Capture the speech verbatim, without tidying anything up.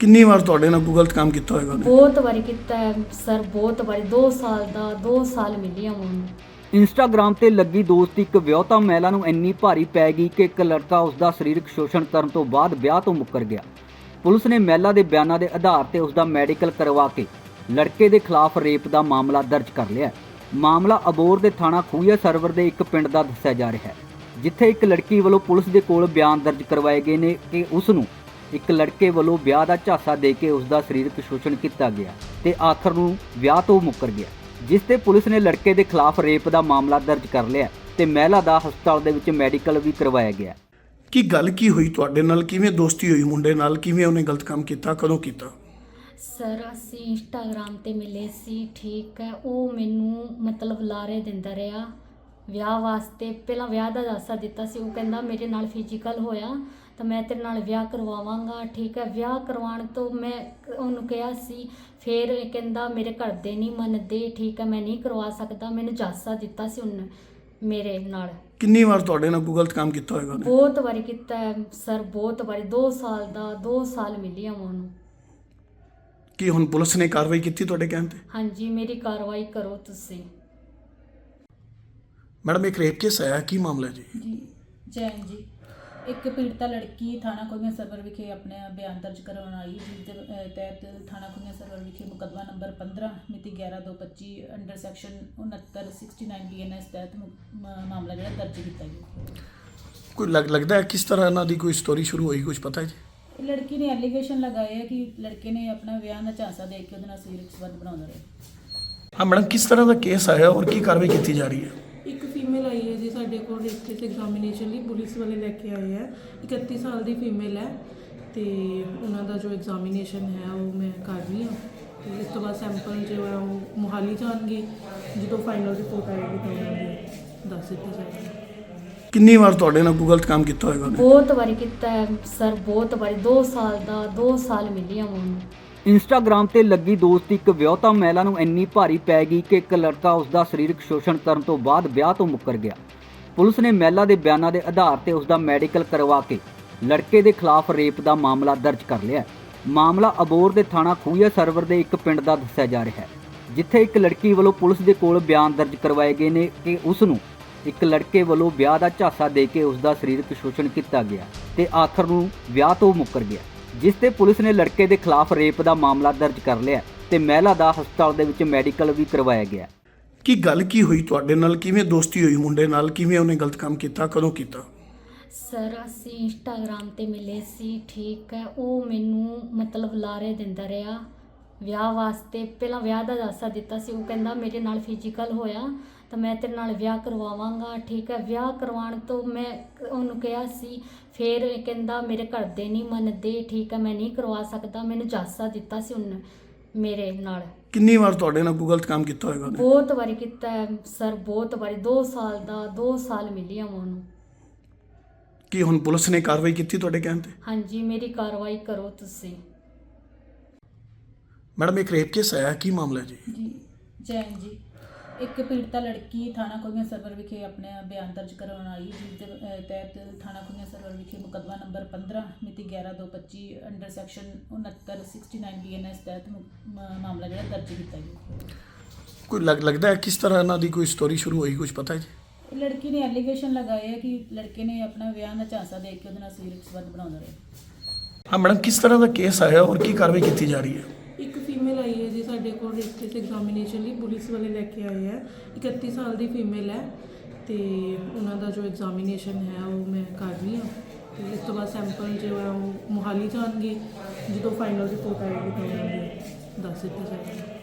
ਕਿੰਨੀ ਵਾਰ ਤੁਹਾਡੇ ਨਾਲ ਕੋਈ ਗਲਤ ਕੰਮ ਕੀਤਾ ਹੋਏਗਾ ਉਹਨੇ? ਬਹੁਤ ਵਾਰੀ ਕੀਤਾ ਹੈ ਸਰ, ਬਹੁਤ ਵਾਰੀ। ਦੋ ਸਾਲ ਦਾ ਦੋ ਸਾਲ ਮਿਲੀ ਆ ਉਹਨੂੰ। ਇੰਸਟਾਗ੍ਰਾਮ ਤੇ ਲੱਗੀ ਦੋਸਤੀ ਇੱਕ ਵਿਆਹੁਤਾ ਮਹਿਲਾ ਨੂੰ ਇੰਨੀ ਭਾਰੀ ਪੈ ਗਈ ਕਿ ਇੱਕ ਲੜਕਾ ਉਸ ਦਾ ਸਰੀਰਕ ਸ਼ੋਸ਼ਣ ਕਰਨ ਤੋਂ ਬਾਅਦ ਵਿਆਹ ਤੋਂ ਮੁੱਕਰ ਗਿਆ। ਪੁਲਿਸ ਨੇ ਮਹਿਲਾ ਦੇ ਬਿਆਨਾਂ ਦੇ ਆਧਾਰ ਤੇ ਉਸ ਦਾ ਮੈਡੀਕਲ ਕਰਵਾ ਕੇ ਲੜਕੇ ਦੇ ਖਿਲਾਫ ਰੇਪ ਦਾ ਮਾਮਲਾ ਦਰਜ ਕਰ ਲਿਆ। ਮਾਮਲਾ ਅਬੋਹਰ ਦੇ ਥਾਣਾ ਖੂਹੀਆ ਸਰਵਰ ਦੇ ਇੱਕ ਪਿੰਡ ਦਾ ਦੱਸਿਆ ਜਾ ਰਿਹਾ ਹੈ, ਜਿੱਥੇ ਇੱਕ ਲੜਕੀ ਵੱਲੋਂ ਪੁਲਿਸ ਦੇ ਕੋਲ ਬਿਆਨ ਦਰਜ ਕਰਵਾਏ ਗਏ ਨੇ ਕਿ ਉਸ ਨੂੰ ਇੱਕ ਲੜਕੇ ਵੱਲੋਂ ਵਿਆਹ ਦਾ ਝਾਂਸਾ ਦੇ ਕੇ ਉਸ ਦਾ ਸਰੀਰਕ ਸ਼ੋਸ਼ਣ ਕੀਤਾ ਗਿਆ ਤੇ ਆਖਰ ਨੂੰ ਵਿਆਹ ਤੋਂ ਮੁੱਕਰ ਗਿਆ, ਜਿਸ ਤੇ ਪੁਲਿਸ ਨੇ ਲੜਕੇ ਦੇ ਖਿਲਾਫ ਰੇਪ ਦਾ ਮਾਮਲਾ ਦਰਜ ਕਰ ਲਿਆ ਤੇ ਮਹਿਲਾ ਦਾ ਹਸਪਤਾਲ ਦੇ ਵਿੱਚ ਮੈਡੀਕਲ ਵੀ ਕਰਵਾਇਆ ਗਿਆ। ਕੀ ਗੱਲ ਕੀ ਹੋਈ ਤੁਹਾਡੇ ਨਾਲ? ਕਿਵੇਂ ਦੋਸਤੀ ਹੋਈ ਮੁੰਡੇ ਨਾਲ? ਕਿਵੇਂ ਉਹਨੇ ਗਲਤ ਕੰਮ ਕੀਤਾ? ਕਦੋਂ ਕੀਤਾ? ਸਰ ਅਸੀਂ ਇੰਸਟਾਗ੍ਰਾਮ ਤੇ ਮਿਲੇ ਸੀ, ਠੀਕ ਹੈ। ਉਹ ਮੈਨੂੰ ਮਤਲਬ ਲਾਰੇ ਦਿੰਦਾ ਰਿਹਾ ਵਿਆਹ ਵਾਸਤੇ। ਪਹਿਲਾਂ ਵਿਆਹ ਦਾ ਝਾਂਸਾ ਦਿੱਤਾ ਸੀ। ਉਹ ਕਹਿੰਦਾ ਮੇਰੇ ਨਾਲ ਫਿਜ਼ੀਕਲ ਹੋਇਆ ਤਾਂ ਮੈਂ ਤੇਰੇ ਨਾਲ ਵਿਆਹ ਕਰਵਾਵਾਂਗਾ, ਠੀਕ ਹੈ। ਵਿਆਹ ਕਰਵਾਉਣ ਤੋਂ ਮੈਂ ਉਹਨੂੰ ਕਿਹਾ ਸੀ, ਫਿਰ ਇਹ ਕਹਿੰਦਾ ਮੇਰੇ ਘਰ ਦੇ ਨਹੀਂ ਮੰਨਦੇ, ਠੀਕ ਹੈ, ਮੈਂ ਨਹੀਂ ਕਰਵਾ ਸਕਦਾ। ਮੈਨੂੰ ਝਾਂਸਾ ਦਿੱਤਾ ਸੀ ਉਹਨੇ ਮੇਰੇ ਨਾਲ। ਕਿੰਨੀ ਵਾਰ ਤੁਹਾਡੇ ਨਾਲ ਕੋਈ ਗਲਤ ਕੰਮ ਕੀਤਾ ਹੋਏਗਾ ਉਹਨੇ? ਬਹੁਤ ਵਾਰੀ ਕੀਤਾ ਹੈ ਸਰ, ਬਹੁਤ ਵਾਰੀ। ਦੋ ਸਾਲ ਦਾ ਦੋ ਸਾਲ ਮਿਲੀ ਆ ਉਹਨੂੰ। ਕੀ ਹੁਣ ਪੁਲਿਸ ਨੇ ਕਾਰਵਾਈ ਕੀਤੀ ਤੁਹਾਡੇ ਕਹਿਣ ਤੇ? ਹਾਂਜੀ, ਮੇਰੀ ਕਾਰਵਾਈ ਕਰੋ ਤੁਸੀਂ। ਮੈਡਮ ਇੱਕ ਰੇਪ ਕੇਸ ਆਇਆ, ਕੀ ਮਾਮਲਾ ਜੀ? ਜੀ ਜੈਨ ਜੀ, ਇੱਕ ਪੀੜਤਾ ਲੜਕੀ ਥਾਣਾ ਖੂਹੀਆ ਸਰਵਰ ਵਿਖੇ ਆਪਣੇ ਬਿਆਨ ਦਰਜ ਕਰਵਾਉਣ ਆਈ, ਜਿਸ ਦੇ ਅਹ, ਤਹਿਤ ਥਾਣਾ ਖੂਹੀਆ ਸਰਵਰ ਵਿਖੇ ਮੁਕੱਦਮਾ ਨੰਬਰ ਪੰਦਰਾਂ ਮਿਤੀ ਗਿਆਰਾਂ ਦੋ ਪੱਚੀ ਅੰਡਰ ਸੈਕਸ਼ਨ ਉਨੱਤਰ sixty nine B N S ਤਹਿਤ ਮੁ- ਮ- ਮਾਮਲਾ ਜਿਹੜਾ ਦਰਜ ਕੀਤਾ ਗਿਆ। ਕੋਈ ਲੱਗ ਲੱਗਦਾ ਹੈ ਕਿਸ ਤਰ੍ਹਾਂ ਇਹਨਾਂ ਦੀ ਕੋਈ ਸਟੋਰੀ ਸ਼ੁਰੂ ਹੋਈ, ਕੁਝ ਪਤਾ ਹੈ ਜੀ? ਇਹ ਲੜਕੀ ਨੇ ਐਲੀਗੇਸ਼ਨ ਲਗਾਏ ਹੈ ਕਿ ਲੜਕੇ ਨੇ ਆਪਣਾ ਵਿਆਹ ਦਾ ਝਾਂਸਾ ਦੇ ਕੇ ਉਹਦੇ ਨਾਲ ਸਰੀਰਕ ਸੰਬੰਧ ਬਣਾਉਂਦਾ ਰਿਹਾ। ਹਾਂ ਮੈਡਮ, ਕਿਸ ਤਰ੍ਹਾਂ ਦਾ ਕੇਸ ਆਇਆ ਔਰ ਕੀ ਕਾਰਵਾਈ ਕੀਤੀ ਜਾ ਰਹੀ ਹੈ? ਇੱਕ ਫੀਮੇਲ ਆਈ ਹੈ ਜੀ ਸਾਡੇ ਕੋਲ ਰੇਪ ਐਗਜ਼ਾਮੀਨੇਸ਼ਨ ਲਈ, ਪੁਲਿਸ ਵਾਲੇ ਲੈ ਕੇ ਆਏ ਹੈ। ਇਕੱਤੀ ਸਾਲ ਦੀ ਫੀਮੇਲ ਹੈ ਤੇ ਉਹਨਾਂ ਦਾ ਜੋ ਐਗਜ਼ਾਮੀਨੇਸ਼ਨ ਹੈ ਉਹ ਮੈਂ ਕਰ ਰਹੀ ਹਾਂ ਤੇ ਇਸ ਤੋਂ ਬਾਅਦ ਸੈਂਪਲ ਜੋ ਹੈ ਉਹ ਮੁਹਾਲੀ ਜਾਣਗੇ। ਜਦੋਂ ਫਾਈਨਲ ਰਿਪੋਰਟ ਆਏਗੀ ਤਾਂ ਉਹਨਾਂ ਦੀ ਦੱਸ ਦਿੱਤੀ ਜਾਏਗੀ। ਕਿੰਨੀ ਵਾਰ ਤੁਹਾਡੇ ਨਾਲ ਕੋਈ ਗਲਤ ਕੰਮ ਕੀਤਾ ਹੋਏਗਾ ਉਹਨੇ? ਬਹੁਤ ਵਾਰੀ ਕੀਤਾ ਹੈ ਸਰ, ਬਹੁਤ ਵਾਰੀ। ਦੋ ਸਾਲ ਦਾ ਦੋ ਸਾਲ ਮਿਲੀ ਆ ਉਹਨੂੰ। ਇੰਸਟਾਗ੍ਰਾਮ ਤੇ ਲੱਗੀ ਦੋਸਤੀ ਇੱਕ ਵਿਆਹੁਤਾ ਮਹਿਲਾ ਨੂੰ ਇੰਨੀ ਭਾਰੀ ਪੈ ਗਈ ਕਿ ਇੱਕ ਲੜਕਾ ਉਸ ਦਾ ਸਰੀਰਕ ਸ਼ੋਸ਼ਣ ਕਰਨ ਤੋਂ ਬਾਅਦ ਵਿਆਹ ਤੋਂ ਮੁੱਕਰ ਗਿਆ। ਪੁਲਿਸ ਨੇ ਮਹਿਲਾ ਦੇ ਬਿਆਨਾਂ ਦੇ ਆਧਾਰ ਤੇ ਉਸ ਦਾ ਮੈਡੀਕਲ ਕਰਵਾ ਕੇ ਲੜਕੇ ਦੇ ਖਿਲਾਫ ਰੇਪ ਦਾ ਮਾਮਲਾ ਦਰਜ ਕਰ ਲਿਆ। ਮਾਮਲਾ ਅਬੋਹਰ ਦੇ ਥਾਣਾ ਖੂਹੀਆ ਸਰਵਰ ਦੇ ਇੱਕ ਪਿੰਡ ਦਾ ਦੱਸਿਆ ਜਾ ਰਿਹਾ ਹੈ, ਜਿੱਥੇ ਇੱਕ ਲੜਕੀ ਵੱਲੋਂ ਪੁਲਿਸ ਦੇ ਕੋਲ ਬਿਆਨ ਦਰਜ ਕਰਵਾਏ ਗਏ ਨੇ ਕਿ ਉਸ ਨੂੰ ਇੱਕ ਲੜਕੇ ਵੱਲੋਂ ਵਿਆਹ ਦਾ ਝਾਂਸਾ ਦੇ ਕੇ ਉਸ ਦਾ ਸਰੀਰਕ ਸ਼ੋਸ਼ਣ ਕੀਤਾ ਗਿਆ ਤੇ ਆਖਰ ਨੂੰ ਵਿਆਹ ਤੋਂ ਮੁੱਕਰ ਗਿਆ, ਜਿਸ ਤੇ ਪੁਲਿਸ ਨੇ ਲੜਕੇ ਦੇ ਖਿਲਾਫ ਰੇਪ ਦਾ ਮਾਮਲਾ ਦਰਜ ਕਰ ਲਿਆ ਤੇ ਮਹਿਲਾ ਦਾ ਹਸਪਤਾਲ ਦੇ ਵਿੱਚ ਮੈਡੀਕਲ ਵੀ ਕਰਵਾਇਆ ਗਿਆ। ਕੀ ਗੱਲ ਕੀ ਹੋਈ ਤੁਹਾਡੇ ਨਾਲ? ਕਿਵੇਂ ਦੋਸਤੀ ਹੋਈ ਮੁੰਡੇ ਨਾਲ? ਕਿਵੇਂ ਉਹਨੇ ਗਲਤ ਕੰਮ ਕੀਤਾ? ਕਦੋਂ ਕੀਤਾ? ਸਰ ਅਸੀਂ ਇੰਸਟਾਗ੍ਰਾਮ ਤੇ ਮਿਲੇ ਸੀ, ਠੀਕ ਹੈ। ਉਹ ਮੈਨੂੰ ਮਤਲਬ ਲਾਰੇ ਦਿੰਦਾ ਰਿਹਾ ਵਿਆਹ ਵਾਸਤੇ। ਪਹਿਲਾਂ ਵਿਆਹ ਦਾ ਝਾਂਸਾ ਦਿੱਤਾ ਸੀ। ਉਹ ਕਹਿੰਦਾ ਮੇਰੇ ਨਾਲ ਫਿਜ਼ੀਕਲ ਹੋਇਆ ਤਾਂ ਮੈਂ ਤੇਰੇ ਨਾਲ ਵਿਆਹ ਕਰਵਾਵਾਂਗਾ, ਠੀਕ ਹੈ। ਵਿਆਹ ਕਰਵਾਉਣ ਤੋਂ ਮੈਂ ਉਹਨੂੰ ਕਿਹਾ ਸੀ, ਫਿਰ ਇਹ ਕਹਿੰਦਾ ਮੇਰੇ ਘਰ ਦੇ ਨਹੀਂ ਮੰਨਦੇ, ਠੀਕ ਹੈ, ਮੈਂ ਨਹੀਂ ਕਰਵਾ ਸਕਦਾ। ਮੈਨੂੰ ਝਾਂਸਾ ਦਿੱਤਾ ਸੀ ਉਹਨੇ ਮੇਰੇ ਨਾਲ। ਕਿੰਨੀ ਵਾਰ ਤੁਹਾਡੇ ਨਾਲ ਕੋਈ ਗਲਤ ਕੰਮ ਕੀਤਾ ਹੋਏਗਾ ਉਹਨੇ? ਬਹੁਤ ਵਾਰੀ ਕੀਤਾ ਹੈ ਸਰ, ਬਹੁਤ ਵਾਰੀ। ਦੋ ਸਾਲ ਦਾ ਦੋ ਸਾਲ ਮਿਲੀ ਆ ਉਹਨੂੰ। ਕੀ ਹੁਣ ਪੁਲਿਸ ਨੇ ਕਾਰਵਾਈ ਕੀਤੀ ਤੁਹਾਡੇ ਕਹਿਣ ਤੇ? ਹਾਂਜੀ, ਮੇਰੀ ਕਾਰਵਾਈ ਕਰੋ ਤੁਸੀਂ। ਮੈਡਮ ਇੱਕ ਰੇਪ ਕੇਸ ਆਇਆ, ਕੀ ਮਾਮਲਾ ਜੀ? ਜੀ ਜੈਨ ਜੀ, ਇੱਕ ਪੀੜਤਾ ਲੜਕੀ ਥਾਣਾ ਖੂਹੀਆ ਸਰਵਰ ਵਿਖੇ ਆਪਣੇ ਬਿਆਨ ਦਰਜ ਕਰਵਾਉਣ ਆਈ, ਜਿਸ ਦੇ ਅਹ, ਤਹਿਤ ਥਾਣਾ ਖੂਹੀਆ ਸਰਵਰ ਵਿਖੇ ਮੁਕੱਦਮਾ ਨੰਬਰ ਪੰਦਰਾਂ ਮਿਤੀ ਗਿਆਰਾਂ ਦੋ ਪੱਚੀ ਅੰਡਰ ਸੈਕਸ਼ਨ ਉਨੱਤਰ sixty nine B N S ਤਹਿਤ ਮੁ- ਮ- ਮਾਮਲਾ ਜਿਹੜਾ ਦਰਜ ਕੀਤਾ ਗਿਆ। ਕੋਈ ਲੱਗ ਲੱਗਦਾ ਹੈ ਕਿਸ ਤਰ੍ਹਾਂ ਇਹਨਾਂ ਦੀ ਕੋਈ ਸਟੋਰੀ ਸ਼ੁਰੂ ਹੋਈ, ਕੁਝ ਪਤਾ ਹੈ ਜੀ? ਇਹ ਲੜਕੀ ਨੇ ਐਲੀਗੇਸ਼ਨ ਲਗਾਏ ਹੈ ਕਿ ਲੜਕੇ ਨੇ ਆਪਣਾ ਵਿਆਹ ਦਾ ਝਾਂਸਾ ਦੇ ਕੇ ਉਹਦੇ ਨਾਲ ਸਰੀਰਕ ਸੰਬੰਧ ਬਣਾਉਂਦਾ ਰਿਹਾ। ਹਾਂ ਮੈਡਮ, ਕਿਸ ਤਰ੍ਹਾਂ ਦਾ ਕੇਸ ਆਇਆ ਔਰ ਕੀ ਕਾਰਵਾਈ ਕੀਤੀ ਜਾ ਰਹੀ ਹੈ? ਇੱਕ ਫੀਮੇਲ ਆਈ ਹੈ ਜੀ ਸਾਡੇ ਕੋਲ ਰੇਪ ਐਗਜ਼ਾਮੀਨੇਸ਼ਨ ਲਈ, ਪੁਲਿਸ ਵਾਲੇ ਲੈ ਕੇ ਆਏ ਹੈ। ਇਕੱਤੀ ਸਾਲ ਦੀ ਫੀਮੇਲ ਹੈ ਤੇ ਉਹਨਾਂ ਦਾ ਜੋ ਐਗਜ਼ਾਮੀਨੇਸ਼ਨ ਹੈ ਉਹ ਮੈਂ ਕਰ ਰਹੀ ਹਾਂ ਤੇ ਇਸ ਤੋਂ ਬਾਅਦ ਸੈਂਪਲ ਜੋ ਹੈ ਉਹ ਮੁਹਾਲੀ ਜਾਣਗੇ। ਜਦੋਂ ਫਾਈਨਲ ਰਿਪੋਰਟ ਆਏਗੀ ਤਾਂ ਉਹਨਾਂ ਦੀ ਦੱਸ ਦਿੱਤੀ ਜਾਏਗੀ।